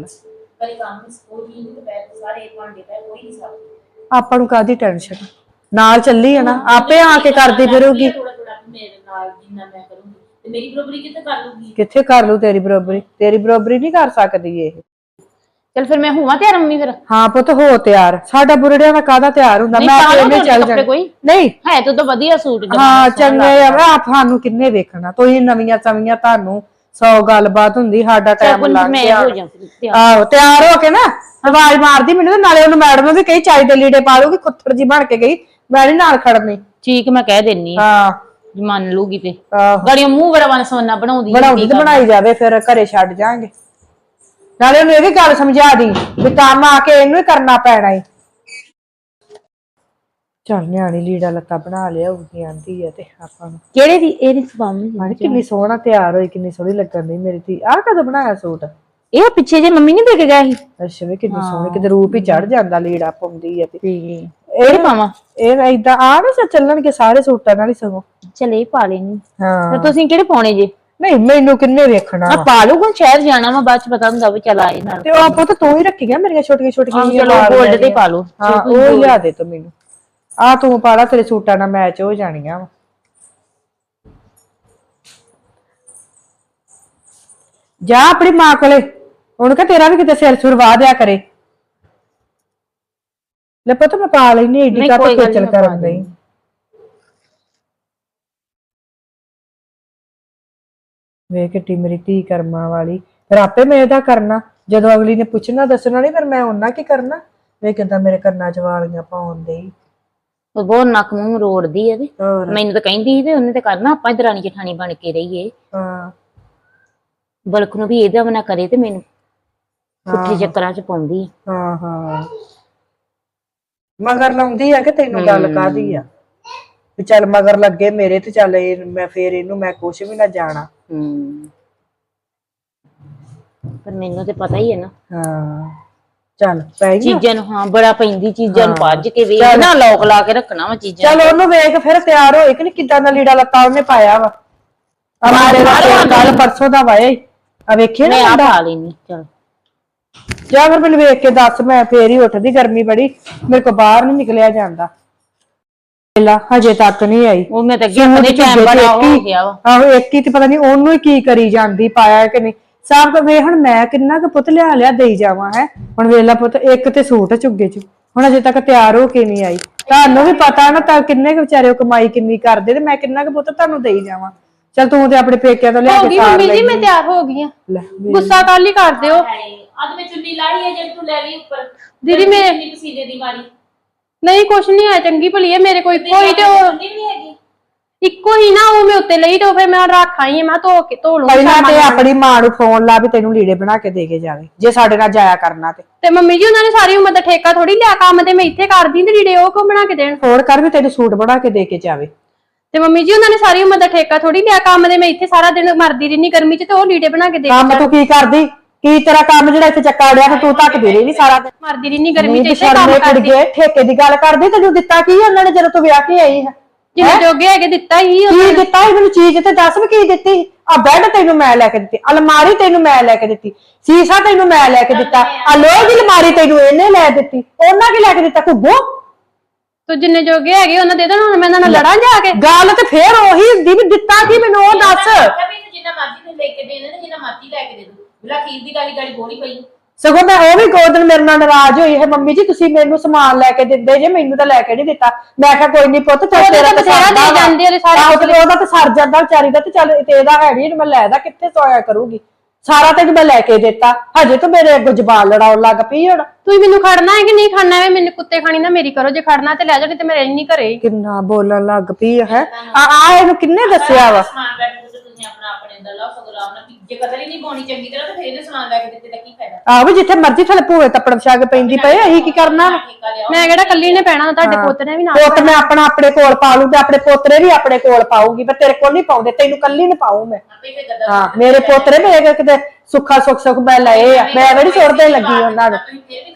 ਆਪਾਂ ਨੂੰ ਕਾਹਦੀ ਟੈਨਸ਼ਨ, ਨਾਲ ਚੱਲੀ ਆ ਨਾ, ਆਪੇ ਆ ਕੇ ਕਰਦੀ ਫਿਰੂਗੀ। ਕਿੱਥੇ ਕਰ ਲੂ ਤੇਰੀ ਬਰਾਬਰੀ, ਤੇਰੀ ਬਰਾਬਰੀ ਨਹੀਂ ਕਰ ਸਕਦੀ ਇਹ।
ਚਲ ਫਿਰ ਮੈਂ ਹੋਵਾਂ ਤਿਆਰ ਮੰਮੀ ਫਿਰ।
ਹਾਂ ਪੁੱਤ ਹੋ ਤਿਆਰ, ਸਾਡਾ ਬੁਰੜਿਆਂ ਦਾ ਕਾਹਦਾ ਤਿਆਰ ਹੁੰਦਾ, ਮੈਂ ਤੇ ਇਹਨੇ ਚੱਲ ਜਾਣਾ। ਨਹੀਂ
ਹੈ ਤੂੰ ਤਾਂ ਵਧੀਆ ਸੂਟ
ਹਾਂ ਚੰਗੇ ਆ, ਆਪ ਸਾਨੂੰ ਕਿੰਨੇ ਵੇਖਣਾ, ਤੁਸੀਂ ਨਵੀਆਂ ਸਵੀਆਂ, ਤੁਹਾਨੂੰ ਸੌ ਗੱਲਬਾਤ ਹੁੰਦੀ, ਸਾਡਾ ਟਾਈਮ ਲੰਘ ਗਿਆ। ਆਹੋ ਤਿਆਰ ਹੋ ਕੇ ਨਾ ਆਵਾਜ਼ ਮਾਰਦੀ ਮੈਨੂੰ, ਤੇ ਨਾਲੇ ਉਹਨੂੰ ਮੈਡਮ ਵੀ ਕਹੀ ਚਾਈ ਦੇ ਲੀੜੇ ਪਾ ਲੂਗੀ, ਖੁੱਤਰ ਜੀ ਬਣ ਕੇ ਗਈ, ਮੈਂ ਨੀ ਨਾਲ ਖੜਨੀ।
ਠੀਕ ਮੈਂ ਕਹਿ ਦੇਣੀ
ਹਾਂ
ਮੰਨ ਲੂਗੀ ਤੇ
ਆਹੋ
ਗੜੀਆਂ ਮੂੰਹ ਬੜਾ ਵਨ ਸੋਨਾ ਬਣਾਉਂਦੀ
ਬਣਾਉਂਦੀ ਤੇ ਬਣਾਈ ਜਾਵੇ, ਫਿਰ ਘਰੇ ਛੱਡ ਜਾਾਂਗੇ। ਨਾਲੇ ਉਹਨੂੰ ਇਹ ਵੀ ਗੱਲ ਸਮਝਾ ਦੀ ਵੀ ਕੰਮ ਆ ਕੇ ਇਹਨੂੰ ਹੀ ਕਰਨਾ ਪੈਣਾ ਏ। ਚੱਲ ਨਿਆਣੀ ਲੀੜਾ ਲੱਤਾ ਬਣਾ ਲਿਆ ਉਹਦੀ ਆਂਦੀ ਆ, ਤੇ ਆਪਾਂ ਨੂੰ
ਕਿਹੜੇ ਦੀ ਇਹਦੀ ਸਵਾਮੀ
ਕਿੰਨੀ ਸੋਹਣਾ ਤਿਆਰ ਹੋਈ, ਕਿੰਨੀ ਸੋਹਣੀ ਲੱਗਣ ਦੀ ਮੇਰੀ ਧੀ। ਆਹ ਕਦੋਂ ਬਣਾਇਆ ਸੂਟ?
ਇਹ ਪਿੱਛੇ ਜੇ ਮੰਮੀ ਨੇ ਦੇ ਕੇ ਗਏ ਸੀ।
ਅੱਛਾ ਵੀ ਕਿੰਨੀ ਸੋਹਣੀ, ਕਿਤੇ ਰੂਪ ਹੀ ਚੜ ਜਾਂਦਾ, ਲੀੜਾ ਪਾਉਂਦੀ ਆ। ਤੇ
ਇਹ ਪਾਵਾਂ
ਇਹ ਏਦਾਂ ਆ ਨਾ ਚੱਲਣਗੇ ਸਾਰੇ ਸੂਟਾਂ ਨਾਲ ਹੀ ਸਗੋਂ।
ਚਲੇ ਪਾ ਲੈਣੀ।
ਹਾਂ
ਤੇ ਤੁਸੀਂ ਕਿਹੜੇ ਪਾਉਣੇ ਜੇ?
ਨਹੀਂ ਮੈਨੂੰ ਕਿੰਨੇ ਵੇਖਣਾ ਵਾ,
ਪਾ ਲੂਗਾ, ਸ਼ਹਿਰ ਜਾਣਾ ਵਾ, ਬਾਅਦ ਚ ਪਤਾ ਹੁੰਦਾ ਵੀ ਚਲ ਆਏ ਨਾਲ।
ਤੇ ਉਹ ਆਪੋ ਤਾਂ ਤੂੰ ਹੀ ਰੱਖੀਆਂ ਮੇਰੀਆਂ ਛੋਟੀਆਂ ਛੋਟੀਆਂ।
ਚਲੋ ਗੋਲਡ ਤੇ ਪਾ ਲਓ।
ਹਾਂ ਉਹ ਲਿਆ ਦੇ ਤੂੰ ਮੈਨੂੰ, ਆ ਤੂੰ ਪਾਲਾ, ਤੇਰੇ ਸੂਟਾਂ ਨਾਲ ਮੈਚ ਹੋ ਜਾਣੀਆਂ ਵਾ। ਜਾ ਆਪਣੀ ਮਾਂ ਕੋਲੇ, ਉਹਨੂੰ ਕਹ ਤੇਰਾ ਵੀ ਕਿਤੇ ਸਿਰ ਸੁਰ ਵਾਹ ਦਿਆ ਕਰੇ। ਲੈ ਪੁੱਤ ਮੈਂ ਪਾ ਲੈਣੀ, ਏਡੀ ਕਾ ਖੇਚਲ ਕਰਨ ਨਹੀਂ। ਵੇ ਕਿੱਟੀ ਮੇਰੀ ਧੀ ਕਰਮਾਂ ਵਾਲੀ, ਫਿਰ ਆਪੇ ਮੈਂ ਇਹਦਾ ਕਰਨਾ, ਜਦੋਂ ਅਗਲੀ ਨੇ ਪੁੱਛਣਾ ਦੱਸਣਾ ਨਹੀਂ, ਫਿਰ ਮੈਂ ਉਹਨਾਂ ਕੀ ਕਰਨਾ। ਵੇ ਕਿੱਦਾਂ ਮੇਰੇ ਕੰਨਾਂ ਚ ਵਾਲੀਆਂ ਪਾਉਣ ਦੇ,
ਬਹੁਤ ਨੱਕ ਮੂੰਹ ਰੋੜਦੀ ਆ। ਤੇ ਮੈਨੂੰ ਤਾਂ ਕਹਿੰਦੀ ਸੀ ਤੇ ਉਹਨੇ ਤੇ ਕਰਨਾ, ਆਪਾਂ ਦਰਾਣੀ ਜਠਾਣੀ ਬਣ ਕੇ ਰਹੀਏ।
ਹਾਂ
ਬਲਕ ਨੂੰ ਵੀ ਇਹਦਾ ਬਣਾ ਕਰੇ ਤੇ ਮੈਨੂੰ ਪੁੱਠੇ ਚੱਕਰਾਂ ਚ ਪਾਉਂਦੀ ਆ।
ਹਾਂ ਹਾਂ ਮਗਰ ਲਾਉਂਦੀ ਆ ਕਿ ਤੈਨੂੰ ਗੱਲ ਕਾਹਦੀ ਆ ਵੀ ਚੱਲ ਮਗਰ ਲੱਗੇ ਮੇਰੇ, ਤੇ ਚੱਲ ਇਹ ਮੈਂ ਫੇਰ ਇਹਨੂੰ ਮੈਂ ਕੁਛ ਵੀ ਨਾ ਜਾਣਾ।
ਹੂੰ ਪਰ ਮੈਨੂੰ ਤੇ ਪਤਾ ਹੀ ਹੈ ਨਾ।
ਹਾਂ ਚੱਲ ਪੈ ਗਈ
ਚੀਜ਼ਾਂ ਨੂੰ, ਹਾਂ ਬੜਾ ਪੈਂਦੀ ਚੀਜ਼ਾਂ ਨੂੰ, ਭੱਜ ਕੇ ਵੇਖ ਨਾ, ਲੋਕ ਲਾ ਕੇ ਰੱਖਣਾ ਵਾ ਚੀਜ਼ਾਂ।
ਚੱਲ ਉਹਨੂੰ ਵੇਖ ਫਿਰ ਤਿਆਰ ਹੋਏ ਕਿ ਨਹੀਂ, ਕਿੱਦਾਂ ਦਾ ਲੀੜਾ ਲੱਤਾ ਉਹਨੇ ਪਾਇਆ ਵਾ। ਕੱਲ ਪਰਸੋਂ ਦਾ ਵਾਇਆ ਆ, ਵੇਖੇ ਨਾ
ਆ ਪਾ ਲੈਣੀ। ਚੱਲ
ਜਾ ਫਿਰ ਮੈਨੂੰ ਵੇਖ ਕੇ ਦੱਸ, ਮੈਂ ਫੇਰ ਹੀ ਉੱਠਦੀ, ਗਰਮੀ ਬੜੀ, ਮੇਰੇ ਕੋਲ ਬਾਹਰ ਨੀ ਨਿਕਲਿਆ ਜਾਂਦਾ। ਲਾ ਹਜੇ ਤੱਕ ਨਹੀਂ ਆਈ।
ਉਹ ਮੈਂ ਤਾਂ ਅੱਗੇ ਆਪਣੇ ਟਾਈਮ ਬੜਾ ਹੋ ਗਿਆ ਵਾ।
ਆਹੋ ਇੱਕ ਹੀ ਤੇ ਪਤਾ ਨਹੀਂ ਉਹਨੂੰ ਹੀ ਕੀ ਕਰੀ ਜਾਂਦੀ, ਪਾਇਆ ਕਿ ਨਹੀਂ। ਸਭ ਕੋ ਵੇ ਹੁਣ ਮੈਂ ਕਿੰਨਾ ਕੁ ਪੁੱਤ ਲਿਆ ਲਿਆ ਦੇਈ ਜਾਵਾਂ। ਹੈ ਹੁਣ ਵੇਲਾ ਪੁੱਤ ਇੱਕ ਤੇ ਸੂਟ ਝੁੱਗੇ ਚ, ਹੁਣ ਅਜੇ ਤੱਕ ਤਿਆਰ ਹੋ ਕੇ ਨਹੀਂ ਆਈ। ਤੁਹਾਨੂੰ ਵੀ ਪਤਾ ਨਾ ਤਾਂ ਕਿੰਨੇ ਕੁ ਵਿਚਾਰੇ ਕਮਾਈ ਕਿੰਨੀ ਕਰਦੇ, ਤੇ ਮੈਂ ਕਿੰਨਾ ਕੁ ਪੁੱਤ ਤੁਹਾਨੂੰ ਦੇਈ ਜਾਵਾਂ। ਚੱਲ ਤੂੰ ਤੇ ਆਪਣੇ ਪੇਕਿਆਂ ਤੋਂ ਲਿਆ ਕੇ
ਮੰਮੀ ਜੀ ਮੈਂ ਤਿਆਰ ਹੋ ਗਈ ਆ, ਗੁੱਸਾ ਕੱਲ ਹੀ ਕਰ ਦਿਓ।
ਅੱਜ ਮੈਂ ਚੁੰਨੀ ਲਾਈ ਹੈ ਜਿਹੜੀ ਤੂੰ ਲੈ ਲਈ ਉੱਪਰ,
ਦੀਦੀ ਮੈਂ
ਪਸੀਨੇ ਦੀ ਮਾਰੀ।
ਨਹੀਂ ਕੁਛ ਨਹੀਂ ਹੈ, ਚੰਗੀ ਭਲੀ ਹੈ, ਮੇਰੇ ਕੋਈ ਇੱਕੋ ਹੀ ਤੇ ਉਹ ਇੱਕੋ ਹੀ ਨਾ, ਉਹ ਮੈਂ ਉੱਤੇ ਲਈ ਤੇ ਫਿਰ ਮੈਂ ਰੱਖ ਆਈ, ਮੈਂ ਧੋ ਕੇ ਧੋ ਲੂੰ।
ਪਹਿਲਾਂ ਤੇ ਆਪਣੀ ਮਾਂ ਨੂੰ ਫੋਨ ਲਾ ਵੀ ਤੈਨੂੰ ਲੀੜੇ ਬਣਾ ਕੇ ਦੇ ਕੇ ਜਾਵੇ, ਜੇ ਸਾਡੇ ਨਾਲ ਜਾਇਆ ਕਰਨਾ ਤੇ।
ਤੇ ਮੰਮੀ ਜੀ ਉਹਨਾਂ ਨੇ ਸਾਰੀ ਉਮਰ ਦਾ ਠੇਕਾ ਥੋੜੀ ਲਿਆ, ਕੰਮ ਤੇ ਮੈਂ ਇੱਥੇ ਕਰਦੀ ਤੇ ਲੀੜੇ ਉਹ ਕੋ ਬਣਾ ਕੇ ਦੇਣ।
ਫੋਨ ਕਰ ਵੀ ਤੈਨੂੰ ਸੂਟ ਬਣਾ ਕੇ ਦੇ ਕੇ ਜਾਵੇ।
ਤੇ ਮੰਮੀ ਜੀ ਉਹਨਾਂ ਨੇ ਸਾਰੀ ਉਮਰ ਦਾ ਠੇਕਾ ਥੋੜੀ ਲਿਆ, ਕੰਮ ਤੇ ਮੈਂ ਇੱਥੇ ਸਾਰਾ ਦਿਨ ਮਰਦੀ ਰਹਿਨੀ ਗਰਮੀ ਚ, ਤੇ ਉਹ ਲੀੜੇ ਬਣਾ ਕੇ ਦੇ ਕੇ
ਕੰਮ ਤੂੰ ਕੀ ਕਰਦੀ, ਕੀ ਤੇਰਾ ਕੰਮ ਜਿਹੜਾ ਇੱਥੇ ਚੱਕਾ ਅੜਿਆ ਤੇ ਤੂੰ ਧੱਕਦੀ ਰਹੀ ਸਾਰਾ ਦਿਨ,
ਮਰਦੀ ਰਹਿਨੀ ਗਰਮੀ ਚ, ਇੱਥੇ
ਕੰਮ
ਕੰਮ
ਕਰਦੀ। ਠੇਕੇ ਦੀ ਗੱਲ ਕਰਦੀ, ਤੈਨੂੰ ਦਿੱਤਾ ਕੀ ਉਹਨਾਂ ਨੇ ਜਦੋਂ ਤੂੰ ਵਿਆਹ ਕੇ ਆਈ ਹੈ?
ਜਿੰਨੇ ਜੋਗੇ ਹੈਗੇ ਦਿੱਤਾ ਹੀ।
ਕੀ ਦਿੱਤਾ ਸੀ ਮੈਨੂੰ ਚੀਜ਼ ਤੇ ਦੱਸ ਵੀ ਕੀ ਦਿੱਤੀ? ਆ ਬੈੱਡ ਤੈਨੂੰ ਮੈਂ ਲੈ ਕੇ ਦਿੱਤੀ, ਅਲਮਾਰੀ ਤੈਨੂੰ ਮੈਂ ਲੈ ਕੇ ਦਿੱਤੀ, ਸੀਸਾ ਤੈਨੂੰ ਮੈਂ ਲੈ ਕੇ ਦਿੱਤਾ, ਆ ਲੋਹੇ ਦੀ ਅਲਮਾਰੀ ਤੈਨੂੰ ਇਹਨੇ ਲੈ ਦਿੱਤੀ, ਉਹਨਾਂ ਕੀ ਲੈ ਕੇ ਦਿੱਤਾ? ਘੁੱਗੋ
ਤੂੰ ਜਿੰਨੇ ਜੋਗੇ ਹੈਗੇ ਉਹਨਾਂ ਦੇ ਦੇਣ, ਹੁਣ ਮੈਂ ਇਹਨਾਂ ਨਾਲ ਲੜਾਂ ਜਾ ਕੇ?
ਗੱਲ ਤੇ ਫੇਰ ਉਹੀ ਹੁੰਦੀ ਵੀ ਦਿੱਤਾ ਕੀ ਮੈਨੂੰ ਉਹ ਦੱਸ।
ਜਿੰਨਾ ਮਰਜ਼ੀ ਲੈ ਕੇ ਦੇ ਦੇ, ਜਿੰਨਾ ਮਰਜ਼ੀ ਲੈ ਕੇ ਦੇ ਦੋ, ਬਿਲਾ ਖੀਰ ਦੀ ਗਾਲੀ ਗਾਲੀ ਬੋਲੀ ਪਈ।
ਸਗੋਂ ਮੈਂ ਉਹ ਵੀ ਗੋਦਨ ਮੇਰੇ ਨਾਲ ਨਾਰਾਜ਼ ਹੋਈ ਹੈ, ਮੰਮੀ ਜੀ ਤੁਸੀਂ ਮੈਨੂੰ ਸਮਾਨ ਲੈ ਕੇ ਦਿੰਦੇ ਜੇ, ਮੈਨੂੰ ਤਾਂ ਲੈ ਕੇ ਨਹੀਂ ਦਿੱਤਾ। ਮੈਂ ਕਿਹਾ ਕੋਈ ਨਹੀਂ ਪੁੱਤ, ਤੇਰਾ
ਬਥੇਰਾ ਦੇ ਜਾਂਦੇ ਉਹਦੇ ਸਾਰੇ,
ਉਹਦਾ ਤਾਂ ਸਰ ਜਾਂਦਾ ਵਿਚਾਰੀ ਦਾ, ਤੇ ਚੱਲ ਤੇ ਇਹਦਾ ਹੈ ਨੀ, ਮੈਂ ਲੈਦਾ ਕਿੱਥੇ ਸੋਇਆ ਕਰੂਗੀ, ਸਾਰਾ ਤੈਨੂੰ ਮੈਂ ਲੈ ਕੇ ਦਿੱਤਾ, ਹਜੇ ਤੂੰ ਮੇਰੇ ਅੱਗੋਂ ਜ਼ਬਾਨ ਲੜਾਉਣ ਲੱਗ ਪਈ। ਹੁਣ
ਤੁਸੀਂ ਮੈਨੂੰ ਖੜਨਾ ਹੈ ਕਿ ਨਹੀਂ ਖੜਨਾ ਹੈ? ਮੈਨੂੰ ਕੁੱਤੇ ਖਾਣੀ ਨਾ ਮੇਰੀ ਕਰੋ, ਜੇ ਖੜਨਾ ਤੇ ਲੈ ਜਾ, ਨਹੀਂ ਤੇ ਮੈਂ ਰਹਿਣੀ ਘਰੇ।
ਕਿੰਨਾ ਬੋਲਣ ਲੱਗ ਪਈ ਹੈ। ਆ ਆ ਇਹਨੂੰ ਕਿੰਨੇ ਦੱਸਿਆ ਵਾ?
ਤੁਸੀਂ ਆਪਣਾ ਆਪਣੇ ਅੰਦਰ ਲਾਓ ਸਗੋਂ ਆਰਾਮ ਨਾਲ ਜੇ ਕਦਰ ਹੀ ਨਹੀਂ ਪਾਉਣੀ ਚੰਗੀ ਤਰ੍ਹਾਂ ਤਾਂ ਫੇਰ ਇਹਦੇ ਸਮਾਨ ਲੈ ਕੇ ਦਿੱਤੇ ਤਾਂ ਕੀ ਫਾਇਦਾ।
ਆਹੋ ਜਿੱਥੇ ਮਰਜ਼ੀ ਥਲੇ ਭੂਏ ਤੱਪੜ ਛਾਗ ਪੈਂਦੀ ਪਏ ਅਸੀਂ ਕੀ ਕਰਨਾ।
ਮੈਂ ਕਿਹੜਾ ਕੱਲੀ ਨੇ ਪੈਣਾ, ਤੁਹਾਡੇ ਪੁੱਤ ਨੇ ਵੀ ਨਾਲ
ਪੁੱਤ ਮੈਂ ਆਪਣਾ ਆਪਣੇ ਕੋਲ ਪਾ ਲੂ ਤੇ ਆਪਣੇ ਪੋਤਰੇ ਵੀ ਆਪਣੇ ਕੋਲ ਪਾਉਂਗੀ, ਪਰ ਤੇਰੇ ਕੋਲ ਨਹੀਂ ਪਾਉਂਦੇ, ਤੈਨੂੰ ਕੱਲੀ ਨੂੰ ਪਾਉ ਮੈਂ। ਹਾਂ ਮੇਰੇ ਪੋਤਰੇ ਮੇਰੇ ਕਿਤੇ ਸੁੱਖਾ ਸੁੱਖ ਸੁੱਖ ਮੈਂ ਲਏ ਆ, ਮੈਂ ਵੀ ਸੁੱਟਦੇ ਲੱਗੀ ਉਹਨਾਂ ਨੂੰ।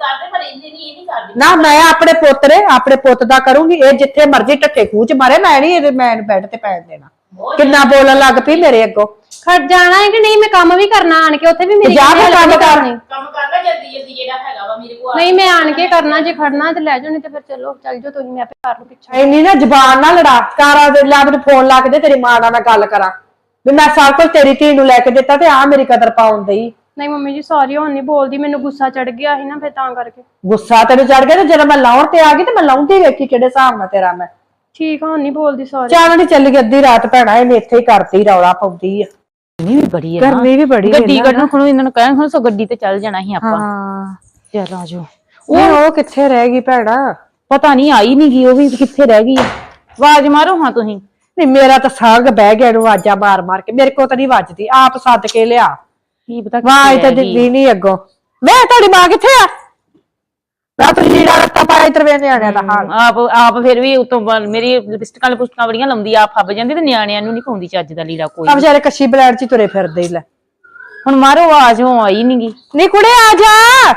ਨਾ ਮੈਂ ਆਪਣੇ ਪੋਤਰੇ ਆਪਣੇ ਪੁੱਤ ਦਾ ਕਰੂੰਗੀ, ਇਹ ਜਿੱਥੇ ਮਰਜ਼ੀ ਟੱਟੇ ਖੂਹ ਚ ਮਾਰੇ, ਮੈਂ ਨਹੀਂ ਇਹਦੇ ਮੈਂ ਬੈੱਡ ਤੇ ਪੈਣ ਦੇਣਾ। ਕਿੰਨਾ ਬੋਲਣ ਲੱਗ ਪਈ ਮੇਰੇ ਅੱਗੋਂ।
ਖੜ ਜਾਣਾ ਹੈ ਕਿ ਨਹੀਂ, ਮੈਂ ਕੰਮ ਵੀ ਕਰਨਾ ਆਣ ਕੇ, ਉੱਥੇ ਵੀ ਮੇਰੀ
ਜਾ ਕੇ ਕੰਮ ਕਰ
ਕੰਮ ਕਰ ਲੈ ਜਲਦੀ ਜਲਦੀ ਜਿਹੜਾ ਹੈਗਾ ਵਾ ਮੇਰੇ ਕੋਲ।
ਨਹੀਂ ਮੈਂ ਆਣ ਕੇ ਕਰਨਾ, ਜੇ ਖੜਨਾ ਤੇ ਲੈ ਜਾਓ, ਨਹੀਂ ਤੇ ਫਿਰ ਚਲੋ ਚੱਲ ਜਾਓ ਤੁਸੀਂ, ਮੈਂ ਆਪੇ ਕਰ ਲੂ ਪਿੱਛੇ।
ਇੰਨੀ ਨਾ ਜ਼ਬਾਨ ਨਾ ਲੜਾ, ਕਾਰਾ ਦੇ ਲਾ ਮੈਨੂੰ ਫੋਨ ਲਾ ਕੇ ਦੇ, ਤੇਰੀ ਮਾਂ ਨਾਲ ਮੈਂ ਗੱਲ ਕਰਾਂ ਵੀ ਮੈਂ ਸਭ ਕੁਝ ਤੇਰੀ ਧੀ ਨੂੰ ਲੈ ਕੇ ਦਿੱਤਾ ਤੇ ਆ ਮੇਰੀ ਕਦਰ ਪਾਉਣ ਦਈ।
ਨਹੀਂ ਮੰਮੀ ਜੀ ਸੌਰੀ, ਹੁਣ ਨਹੀਂ ਬੋਲਦੀ, ਮੈਨੂੰ ਗੁੱਸਾ ਚੜ ਗਿਆ ਸੀ ਨਾ ਫਿਰ ਤਾਂ ਕਰਕੇ।
ਗੁੱਸਾ ਤੈਨੂੰ ਚੜ ਗਿਆ ਤੇ ਜਦੋਂ ਮੈਂ ਲਾਉਣ ਤੇ ਆ ਗਈ ਤੇ ਮੈਂ ਲਾਉਂਦੀ ਵੇਖੀ ਕਿਹੜੇ ਹਿਸਾਬ ਨਾਲ ਤੇਰਾ ਮੈਂ।
ਠੀਕ ਆ, ਹੁਣ ਨਹੀਂ ਬੋਲਦੀ ਸੌਰੀ।
ਚਾਹ ਨਹੀਂ ਚੱਲ ਗਈ ਅੱਧੀ ਰਾਤ ਭੈਣਾ, ਇਹਨੇ ਇੱਥੇ ਹੀ ਕਰਤੀ ਰੌਲਾ ਪਾਉਂਦੀ ਆ।
ਗਰਮੀ ਵੀ ਬੜੀ ਹੈ,
ਗਰਮੀ ਵੀ ਬੜੀ
ਗੱਡੀ ਕੱਢਣ ਖਣੋ ਇਹਨਾਂ ਨੂੰ ਕਹਿਣ ਹੁਣ ਸੋ ਗੱਡੀ ਤੇ ਚੱਲ ਜਾਣਾ ਸੀ ਆਪਾਂ।
ਹਾਂ
ਚੱਲ ਆ ਜਾਓ।
ਉਹ ਉਹ ਕਿੱਥੇ ਰਹਿ ਗਈ ਭੈਣਾ?
ਪਤਾ ਨਹੀਂ ਆਈ ਨਹੀਂ ਗਈ, ਉਹ ਵੀ ਕਿੱਥੇ ਰਹਿ ਗਈ। ਆਵਾਜ਼ ਮਾਰੋ ਹਾਂ ਤੁਸੀਂ।
ਨਹੀਂ ਮੇਰਾ ਤਾਂ ਸਾਗ ਬਹਿ ਗਿਆ ਇਹਨੂੰ ਆਵਾਜ਼ਾਂ ਮਾਰ ਮਾਰ ਕੇ, ਮੇਰੇ ਕੋਲ ਤਾਂ ਨਹੀਂ ਵੱਜਦੀ, ਆਪ ਸੱਦ ਕੇ ਲਿਆ।
ਕੀ ਪਤਾ
ਆਵਾਜ਼ ਤਾਂ ਦਿੰਦੀ ਨਹੀਂ ਅੱਗੋਂ। ਵੇ ਤੁਹਾਡੀ ਮਾਂ ਕਿੱਥੇ ਆ? ਮੈਂ ਤਾਂ ਲੀੜਾ ਰੱਤਾ ਪਾਇਆ ਤਰਵੇ ਨਿਆਣਿਆਂ ਦਾ ਹਾਲ।
ਆਪ ਆਪ ਫਿਰ ਵੀ ਉਤੋਂ ਮੇਰੀ ਲਿਪਸਟਿਕਾਂ ਲਿਪਸਟਿਕਾਂ ਬੜੀਆਂ ਲਾਉਂਦੀ, ਆਪ ਫੱਬ ਜਾਂਦੀ ਤੇ ਨਿਆਣਿਆਂ ਨੂੰ ਨਹੀਂ ਪਾਉਂਦੀ ਚੱਜ ਦਾ ਲੀੜਾ ਕੋਈ।
ਆ ਵਿਚਾਰੇ ਕੱਛੀ ਬਲੈਡ ਚ ਤੁਰੇ ਫਿਰਦੇ ਹੀ ਲੈ।
ਹੁਣ ਮਾਰੋ ਆਵਾਜ਼, ਉਹ ਆਈ ਨੀ ਗੀ।
ਨੀ ਕੁੜੇ ਆ ਜਾ।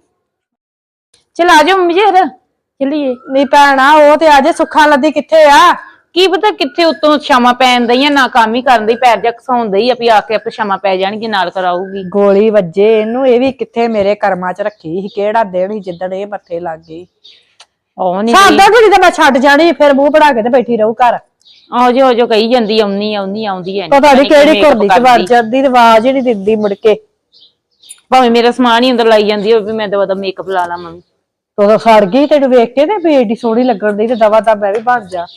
ਚਲ ਆ ਜਾਓ ਮੰਮੀ ਜੀ ਫਿਰ ਚੱਲੀਏ।
ਨੀ ਭੈਣਾ ਉਹ ਤੇ ਅਜੇ ਸੁੱਖਾਂ ਲੱਦੀ ਕਿੱਥੇ ਆ?
ਕੀ ਪਤਾ ਕਿੱਥੇ ਉਤੋਂ ਸ਼ਾਮਾਂ ਪੈਣ ਦਈਆਂ, ਨਾ ਕੰਮ ਹੀ ਕਰਨ ਦੀ, ਪੈਰ ਜਾ ਘਸਾਉਣ ਦਈ ਆਪੀ, ਆ ਕੇ ਆਪੇ ਸ਼ਾਮਾਂ ਪੈ ਜਾਣਗੀ, ਨਾਲ ਕਰਾਊਗੀ।
ਗੋਲੀ ਵੱਜੇ ਇਹਨੂੰ, ਇਹ ਵੀ ਕਿੱਥੇ ਮੇਰੇ ਕਰਮਾਂ ਚ ਰੱਖੀ ਸੀ, ਕਿਹੜਾ ਦਿਨ ਸੀ ਜਿੱਦਣ ਇਹ ਮੱਥੇ ਲੱਗ ਗਈ।
ਉਹ ਨੀ
ਸਾਦਾ ਕੁੜੀ ਤਾਂ ਮੈਂ ਛੱਡ ਜਾਣੀ, ਫਿਰ ਮੂੰਹ ਬਣਾ ਕੇ ਤੇ ਬੈਠੀ ਰਹੂ ਘਰ।
ਆਓ ਜੋ ਜੋ ਕਹੀ ਜਾਂਦੀ, ਆਉਣੀ ਆਉਣੀ ਆਉਂਦੀ ਹੈ
ਪਤਾ ਨੀ ਕਿਹੜੀ ਘੁਰਦੀ ਚ ਵੜ ਜਾਂਦੀ ਤੇ ਆਵਾਜ਼ ਹੀ ਨੀ ਦਿੰਦੀ ਮੁੜ ਕੇ।
ਭਾਵੇਂ ਮੇਰਾ ਸਮਾਨ ਹੀ ਅੰਦਰ ਲਾਈ ਜਾਂਦੀ ਹੋਵੇ, ਮੈਂ ਦਵਾ ਦਾ ਮੇਕਅਪ ਲਾ ਲਾ ਮੰਮੀ।
ਉਦੋਂ ਸੜ ਗਈ ਤੈਨੂੰ ਵੇਖ ਕੇ ਤੇ ਵੀ ਏਡੀ ਸੋਹਣੀ ਲੱਗਣ ਦੀ, ਤੇ ਦਵਾ ਦਾ ਮੈਂ ਵੀ ਬਣ ਜਾ।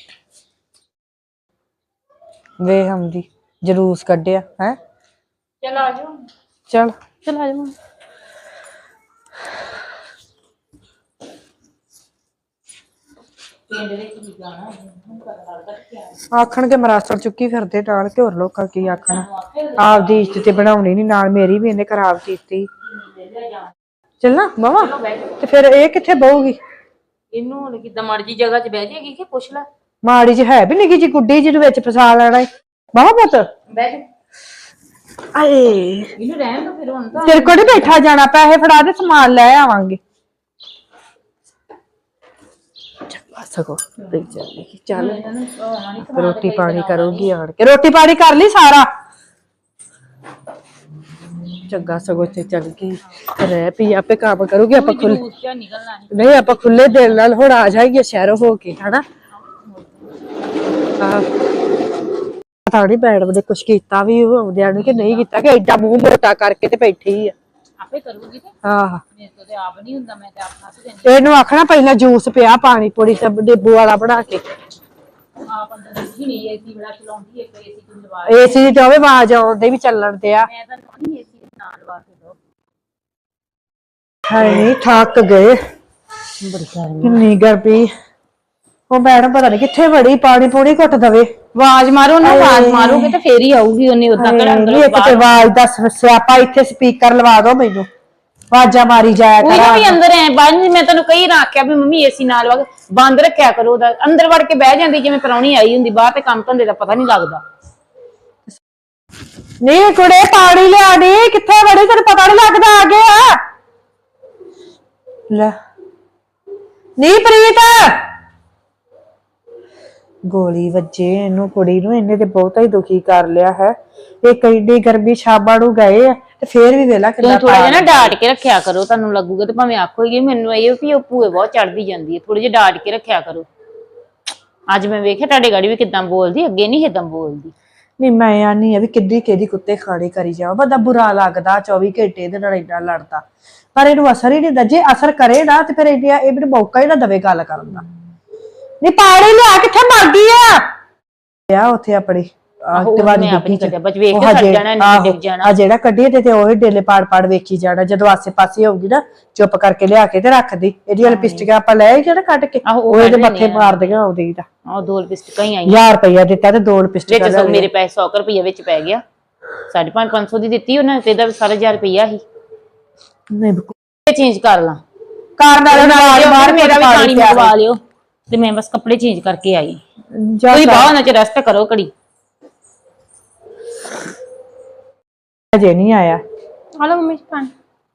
ਵੇ ਹਮਦੀ ਜਲੂਸ ਕੱਢਿਆ ਹੈ।
ਚਲ ਆ ਜਾਓ।
ਚਲ
ਚਲ ਆ ਜਾਓ।
ਪਿੰਡ ਵਿੱਚ ਕੀ ਗਾਣਾ
ਆਖਣਗੇ ਮਰਾਸਰ ਚੁੱਕੀ ਫਿਰਦੇ ਨਾਲ, ਕਿ ਹੋਰ ਲੋਕਾਂ ਕੀ ਆਖਣਾ। ਆਪਦੀ ਇੱਜ਼ਤ ਤੇ ਬਣਾਉਣੀ ਨੀ, ਨਾਲ ਮੇਰੀ ਵੀ ਇਹਨੇ ਖਰਾਬ ਕੀਤੀ। ਚੱਲਣਾ ਮਾਵਾ ਤੇ ਫਿਰ ਇਹ ਕਿੱਥੇ ਬਹੂਗੀ?
ਇਹਨੂੰ ਹੁਣ ਕਿਦਾਂ ਮਰਜੀ ਜਗ੍ਹਾ 'ਚ ਬਹਿ ਜਾਏਗੀ ਕਿ ਪੁੱਛ ਲੈ।
ਮਾੜੀ ਜਿਹੀ ਹੈ ਵੀ ਨਿੱਕੀ ਜਿਹੀ ਗੁੱਡੀ ਜਿਹਨੂੰ ਵਿੱਚ ਫਸਾ ਲੈਣਾ ਏ। ਮਾਵਾ ਪੁੱਤ
ਬਹਿ ਜਾ।
ਆਏ
ਇਹਨੂੰ ਰਹਿਣ ਦੋ ਫਿਰ ਹੁਣ ਤਾਂ।
ਤੇਰੇ ਕੋਲ ਨੀ ਬੈਠਾ ਜਾਣਾ, ਪੈਸੇ ਫੜਾ ਦੇ ਸਮਾਨ ਲੈ ਆਵਾਂਗੇ। ਸਗੋ ਦੇਖ ਚੱਲ ਚੱਲ ਰੋਟੀ ਪਾਣੀ ਕਰੂਗੀ ਆਣ ਕੇ, ਰੋਟੀ ਪਾਣੀ ਕਰ ਲਈ ਸਾਰਾ। ਚੰਗਾ ਸਗੋ ਤੇ ਚੱਲ ਗਈ ਰਹਿ ਪਈ, ਆਪੇ ਕੰਮ ਕਰੂਗੀ। ਆਪਾਂ ਖੁੱਲੇ ਨਹੀਂ, ਆਪਾਂ ਖੁੱਲੇ ਦਿਲ ਨਾਲ ਹੁਣ ਆ ਜਾਈਏ ਸ਼ਹਿਰੋਂ ਹੋ ਕੇ, ਹਨਾ। ਪਤਾ ਨੀ ਮੈਡਮ ਨੇ ਕੁਛ ਕੀਤਾ ਵੀ ਆਉਂਦਿਆਂ ਨੂੰ ਕਿ ਨਹੀਂ ਕੀਤਾ, ਕਿ ਐਡਾ ਮੂੰਹ ਮੋਟਾ ਕਰਕੇ ਤੇ ਬੈਠੀ ਆ।
ਆਪੇ ਕਰੂਗੀ ਤੇ
ਆਹ
ਮੇਰੇ ਤੋਂ ਤੇ ਆਪ ਨਹੀਂ ਹੁੰਦਾ, ਮੈਂ ਤੇ ਆਪ ਹੱਥ ਦੇਣੀ।
ਇਹਨੂੰ ਆਖਣਾ ਪਹਿਲਾਂ ਜੂਸ ਪਿਆ, ਪਾਣੀ ਪੂਰੀ ਸਭ ਨਿੰਬੂ ਵਾਲਾ ਬਣਾ ਕੇ।
ਆਪ ਅੰਦਰ ਹੀ ਨਹੀਂ ਏਸੀ ਬੜਾ ਚਲਾਉਂਦੀ, ਇੱਕ ਏਸੀ ਤੋਂ ਲਵਾ।
ਏਸੀ ਦੀ ਜਾਵੇ ਆਵਾਜ਼ ਆਉਂਦੇ ਵੀ ਚੱਲਣ ਤੇ ਆ।
ਮੈਂ ਤਾਂ ਨਹੀਂ ਏਸੀ ਨਾਲ ਲਵਾ ਕੇ ਦੋ।
ਹਾਏ ਨਹੀਂ ਥੱਕ ਗਏ,
ਬੜੀ ਗਰਮੀ।
ਕਿੰਨੀ ਗਰਮੀ। ਉਹ ਮੈਡਮ ਪਤਾ ਨੀ ਕਿੱਥੇ ਵੜੀ, ਪਾਣੀ ਪੂਣੀ ਘੁੱਟ ਦਵੇ।
ਆਵਾਜ਼ ਮਾਰੋ ਨਾ, ਆਵਾਜ਼ ਮਾਰੋਗੇ ਤੇ ਫੇਰ ਹੀ ਆਊਗੀ ਉਹਨੇ। ਉਦਾਂ ਕਿਹੜਾ ਅੰਦਰ
ਇੱਕ ਤੇ ਆਵਾਜ਼ ਦਾ ਸਿਆਪਾ, ਇੱਥੇ ਸਪੀਕਰ ਲਵਾ ਦੋ ਮੈਨੂੰ, ਆਵਾਜ਼ਾਂ ਮਾਰੀ ਜਾਇਆ
ਕੋਈ
ਕਰਾਂ।
ਵੀ ਅੰਦਰ ਐ ਬੰਦ। ਮੈਂ ਤੈਨੂੰ ਕਈ ਨਾ ਆਖਿਆ ਵੀ ਮੰਮੀ ਏਸੀ ਨਾਲ ਲਵਾ ਕੇ ਬੰਦ ਰੱਖਿਆ ਕਰੋ, ਉਹਦਾ ਅੰਦਰ ਵੜ ਕੇ ਬਹਿ ਜਾਂਦੀ ਜਿਵੇਂ ਪ੍ਰਾਹੁਣੀ ਆਈ ਹੁੰਦੀ, ਬਾਹਰ ਤੇ ਕੰਮ ਧੰਦੇ ਦਾ ਪਤਾ ਨਹੀਂ ਲੱਗਦਾ।
ਨਹੀਂ ਕੁੜੇ ਪਾਣੀ ਲਿਆ ਨੀ, ਕਿੱਥੇ ਵੜੀ ਤੈਨੂੰ ਪਤਾ ਨੀ ਲੱਗਦਾ ਆ ਗਿਆ ਲੈ। ਨੀ ਪ੍ਰੀਤ ਗੋਲੀ ਵੱਜੇ ਇਹਨੂੰ, ਕੁੜੀ ਨੂੰ। ਇਹਨੇ ਤੇ ਬਹੁਤਾ ਹੀ ਦੁਖੀ ਕਰ ਲਿਆ ਹੈ। ਇਹ ਕਈਡੀ ਗਰਮੀ ਸ਼ਾਮਾਂ ਨੂੰ ਗਏ ਆ ਤੇ ਫੇਰ ਵੀ ਵੇਲਾ ਕਿੰਨਾ
ਥੋੜਾ ਜਿਹਾ ਨਾ ਡਾਟ ਕੇ ਰੱਖਿਆ ਕਰੋ, ਤੁਹਾਨੂੰ ਲੱਗੂਗਾ ਤੇ ਭਾਵੇਂ ਆਖੋਗੇ ਮੈਨੂੰ ਇਹ ਵੀ ਉਹ ਭੂਏ ਬਹੁਤ ਚੜਦੀ ਜਾਂਦੀ ਹੈ, ਥੋੜੇ ਜਿਹਾ ਡਾਟ ਕੇ ਰੱਖਿਆ ਕਰੋ। ਅੱਜ ਮੈਂ ਵੇਖਿਆ ਤੁਹਾਡੇ ਗਾੜੀ ਵੀ ਕਿਦਾਂ ਬੋਲਦੀ, ਅੱਗੇ ਨਹੀਂ ਏਦਾਂ ਬੋਲਦੀ।
ਨਹੀਂ ਮੈਂ ਆਨੀ ਆ ਵੀ ਕਿੱਡੀ ਕਿਹਦੀ ਕੁੱਤੇ ਖਾਣੇ ਕਰੀ ਜਾਓ, ਬੰਦਾ ਬੁਰਾ ਲੱਗਦਾ ਚੌਵੀ ਘੰਟੇ ਇਹਦੇ ਨਾਲ ਇੰਨਾ ਲੜਦਾ, ਪਰ ਇਹਨੂੰ ਅਸਰ ਹੀ ਨਹੀਂ ਹੁੰਦਾ। ਜੇ ਅਸਰ ਕਰੇ ਨਾ ਤੇ ਫਿਰ ਇਹ ਇਹ ਮੈਨੂੰ ਮੌਕਾ ਹੀ ਨਾ ਦਵੇ ਗੱਲ ਕਰਨ ਦਾ। ਨਹੀਂ ਪਾਣੀ ਲਿਆ, ਕਿੱਥੇ ਮਰ ਗਈ ਆ? ਆ ਉੱਥੇ ਆਪਣੀ
ਆਹੋ,
ਤੇ
ਉਹ
ਵਾਰੀ
ਮੈਂ ਆਪ
ਡਿੱਗੀ
ਨੀ
ਚ।
ਕੱਢਿਆ, ਬਸ ਵੇਖ
ਉਹ
ਕੇ ਸੜ
ਹਜੇ-
ਜਾਣਾ, ਇਹਨੇ
ਆਹੋ,
ਡਿੱਗ ਜਾਣਾ।
ਆ ਜਿਹੜਾ ਕੱਢੀ ਤੇ ਤੇ ਉਹ ਡੇਲੇ ਪਾੜ ਪਾੜ ਵੇਖੀ ਜਾਣਾ, ਜਦੋਂ ਆਸੇ ਪਾਸੇ ਹੋਊਗੀ ਨਾ ਚੁੱਪ ਕਰਕੇ ਲਿਆ ਕੇ ਤੇ ਰੱਖਦੀ। ਇਹਦੀ ਲਿਪਸਟਿਕ ਆਪਾਂ ਲੈ ਆਈ ਜਿਹੜਾ ਕੱਢ ਕੇ,
ਆਹੋ, ਉਹ
ਉਹ ਇਹਦੇ
ਕੱਢ
ਮੱਥੇ
ਲੈਂਦੇ ਆ।
ਮਾਰਦੀਆਂ ਉਹਦੀ ਦਾ
ਆਹ ਦੋ ਲਿਪਸਟਿਕਾਂ ਹੀ ਆਈਆਂ
ਹਜ਼ਾਰ ਰੁਪਇਆ ਦਿੱਤਾ ਤੇ ਦੋ ਲਿਪਸਟਿਕ
ਵਿੱਚ, ਸੌ ਮੇਰੇ ਪੈਸੇ ਸੌ ਰੁਪਏ ਵਿੱਚ ਪੈ ਗਿਆ। ਸਾਢੇ ਪੰਜ ਪੰਜ ਸੌ ਦੀ ਦਿੱਤੀ ਉਹਨਾਂ ਤੇ, ਇਹਦਾ ਸਾਰਾ ਹਜ਼ਾਰ ਰੁਪਇਆ ਸੀ।
ਨਹੀਂ
ਇਹ ਚੇਂਜ ਕਰ ਲਾਂ
ਕਾਰ ਨਾਲ ਨਾਲ ਬਾਹਰ
ਮੇਰਾ ਵੀ ਪਾਣੀ
ਪਿਆ
ਮੰਗਵਾ ਲਿਓ ਤੇ ਮੈਂ ਬਸ ਕੱਪੜੇ ਚੇਂਜ ਕਰਕੇ ਆਈ।
ਜਾ
ਤੁਸੀਂ ਬਾਹਰ ਨਾ ਚ ਰੈਸਟ ਕਰੋ ਘੜੀ।
ਅਜੇ ਨਹੀਂ ਆਇਆ।
ਹਲੋ ਮੰਮੀ ਜੀ ਪਾਣੀ।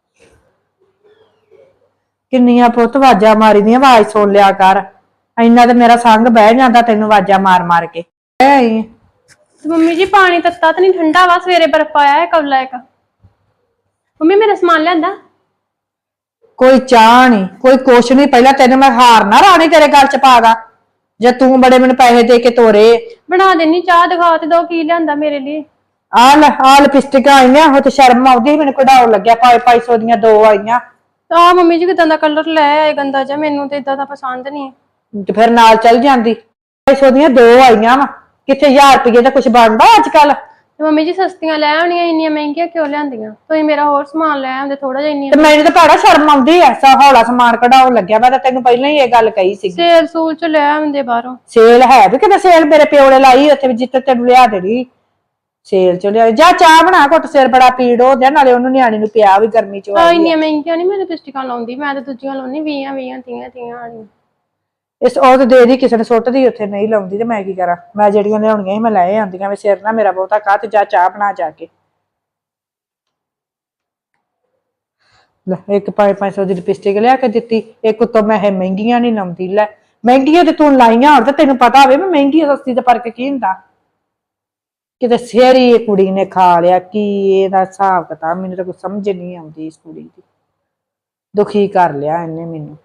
ਕਿੰਨੀਆਂ ਪੁੱਤ ਆਵਾਜ਼ਾਂ ਮਾਰੀ ਦੀਆਂ, ਆਵਾਜ਼ ਸੁਣ ਲਿਆ ਕਰ। ਇੰਨਾ ਤੇ ਮੇਰਾ ਸੰਗ ਬਹਿ ਜਾਂਦਾ ਤੈਨੂੰ ਆਵਾਜ਼ਾਂ ਮਾਰ ਮਾਰ ਕੇ। ਬਹਿ ਆਈ ਆਂ।
ਤੇ ਮੰਮੀ ਜੀ ਪਾਣੀ ਤੱਤਾ ਤਾਂ ਨਹੀਂ, ਠੰਡਾ ਵਾ, ਸਵੇਰੇ ਬਰਫ ਪਾਇਆ ਹੈ ਕੌਲਾ ਇੱਕ। ਮੰਮੀ ਮੇਰਾ ਸਮਾਨ ਲਿਆਂਦਾ?
ਕੋਈ ਚਾਹ ਨਹੀਂ, ਕੋਈ ਕੁਛ ਨਹੀਂ। ਪਹਿਲਾਂ ਤੈਨੂੰ ਮੈਂ ਹਾਰ ਨਾ ਰਾਣੀ ਤੇਰੇ ਗੱਲ ਚ ਪਾ ਦਾਂ, ਜੇ ਤੂੰ ਬੜੇ ਮੈਨੂੰ ਪੈਸੇ ਦੇ ਕੇ ਤੋਰੇ।
ਬਣਾ ਦੇਣੀ ਚਾਹ, ਦਿਖਾ ਤੇ ਦੋ ਕੀ ਲਿਆਂਦਾ ਮੇਰੇ ਲਈ।
ਆ ਲੈ ਆ ਲਿਪਸਟਿਕਾਂ ਆਈਆਂ, ਉਹ ਤੇ ਸ਼ਰਮ ਆਉਂਦੀ, ਮੈਨੂੰ ਕਢਾਉਣ ਲੱਗਿਆ ਪੰਜ ਪੰਜ ਸੌ ਦੀਆਂ ਦੋ ਆਈਆਂ।
ਆ ਮੰਮੀ ਜੀ ਕਿਦਾਂ ਦਾ ਕਲਰ ਲੈ ਆਏ ਗੰਦਾ ਜਿਹਾ, ਮੈਨੂੰ ਤੇ ਇਦਾਂ ਦਾ ਪਸੰਦ ਨਹੀਂ।
ਤੇ ਫਿਰ ਨਾਲ ਚੱਲ ਜਾਂਦੀ। ਪੰਜ ਸੌ ਦੀਆਂ ਦੋ ਆਈਆਂ ਵਾ, ਕਿੱਥੇ ਹਜ਼ਾਰ ਰੁਪਏ ਦਾ ਕੁਛ ਬਣਦਾ ਅੱਜ ਕੱਲ।
ਤੇ ਮੰਮੀ ਜੀ ਸਸਤੀਆਂ ਲੈ ਆਉਣੀਆਂ, ਇੰਨੀਆਂ ਮਹਿੰਗੀਆਂ ਕਿਉਂ ਲਿਆਂਦੀਆਂ? ਤੁਸੀਂ ਮੇਰਾ ਹੋਰ ਸਮਾਨ ਲੈ ਆਉਂਦੇ ਥੋੜਾ ਜਿਹਾ। ਇੰਨੀਆਂ
ਤੇ ਮੈਨੂੰ ਤਾਂ ਭੈੜਾ ਸ਼ਰਮ ਆਉਂਦੀ ਐ, ਸਾ ਹੌਲਾ ਸਮਾਨ ਕਢਾਉਣ ਲੱਗਿਆ। ਮੈਂ ਤਾਂ ਤੈਨੂੰ ਪਹਿਲਾਂ ਹੀ ਇਹ ਗੱਲ ਕਹੀ ਸੀ।
ਸੇਲ ਸੂਲ ਚ ਲੈ ਆਉਂਦੇ ਬਾਹਰੋਂ।
ਸੇਲ ਹੈ ਵੀ ਕਿਤੇ, ਸੇਲ ਮੇਰੇ ਪਿਓ ਨੇ ਲਾਈ ਉੱਥੇ ਵੀ, ਜਿੱਥੇ ਤੈਨੂੰ ਲਿਆ ਦੇਣੀ ਸੇਲ ਚ ਲਿਆ। ਜਾ ਚਾਹ ਬਣਾ, ਘੁੱਟ, ਸਿਰ ਬੜਾ ਪੀੜ ਹੋ ਗਿਆ, ਨਾਲੇ ਉਹਨੂੰ ਨਿਆਣੀ ਨੂੰ ਪਿਆ ਵੀ ਗਰਮੀ ਚ
ਆ ਇੰਨੀਆਂ ਮਹਿੰਗੀਆਂ ਨਹੀਂ ਮੈਂ ਲਿਪਸਟਿਕਾਂ ਲਾਉਂਦੀ, ਮੈਂ ਤਾਂ ਦੂਜੀਆਂ ਲਾਉਣੀ ਵੀਹਾਂ ਵੀਹਾਂ ਤੀਆਂ ਤੀਆਂ ਵਾਲੀਆਂ।
ਇਸ ਉਹ ਤੇ ਦੇ ਦੀ ਕਿਸੇ ਨੇ ਸੁੱਟਦੀ, ਉੱਥੇ ਨਹੀਂ ਲਾਉਂਦੀ ਤੇ ਮੈਂ ਕੀ ਕਰਾਂ। ਮੈਂ ਜਿਹੜੀਆਂ ਲਿਆਉਣੀਆਂ ਸੀ ਮੈਂ ਲੈ ਆਂਦੀਆਂ ਵੀ, ਸਿਰ ਨਾ ਮੇਰਾ ਬਹੁਤਾ ਕਾਹ ਤੇ ਜਾ ਚਾਹ ਬਣਾ ਜਾ ਕੇ। ਲੈ ਇੱਕ ਪੰਜ ਪੰਜ ਸੌ ਦੀ ਲਿਪਸਟਿਕ ਲਿਆ ਕੇ ਦਿੱਤੀ, ਇੱਕ ਉੱਤੋਂ ਮੈਂ ਇਹ ਮਹਿੰਗੀਆਂ ਨਹੀਂ ਲਾਉਂਦੀ। ਲੈ ਮਹਿੰਗੀਆਂ ਤੇ ਤੂੰ ਲਾਈਆਂ ਹੁਣ ਤੇ ਤੈਨੂੰ ਪਤਾ ਹੋਵੇ ਮੈਂ ਮਹਿੰਗੀ ਸਸਤੀ ਦਾ ਫਰਕ ਕੀ ਹੁੰਦਾ। ਕਿਤੇ ਸਿਰ ਹੀ ਇਹ ਕੁੜੀ ਨੇ ਖਾ ਲਿਆ, ਕੀ ਇਹਦਾ ਹਿਸਾਬ ਕਿਤਾਬ ਮੈਨੂੰ ਤਾਂ ਕੁਝ ਸਮਝ ਨਹੀਂ ਆਉਂਦੀ। ਇਸ ਕੁੜੀ ਦੀ ਦੁਖੀ ਕਰ ਲਿਆ ਇਹਨੇ ਮੈਨੂੰ।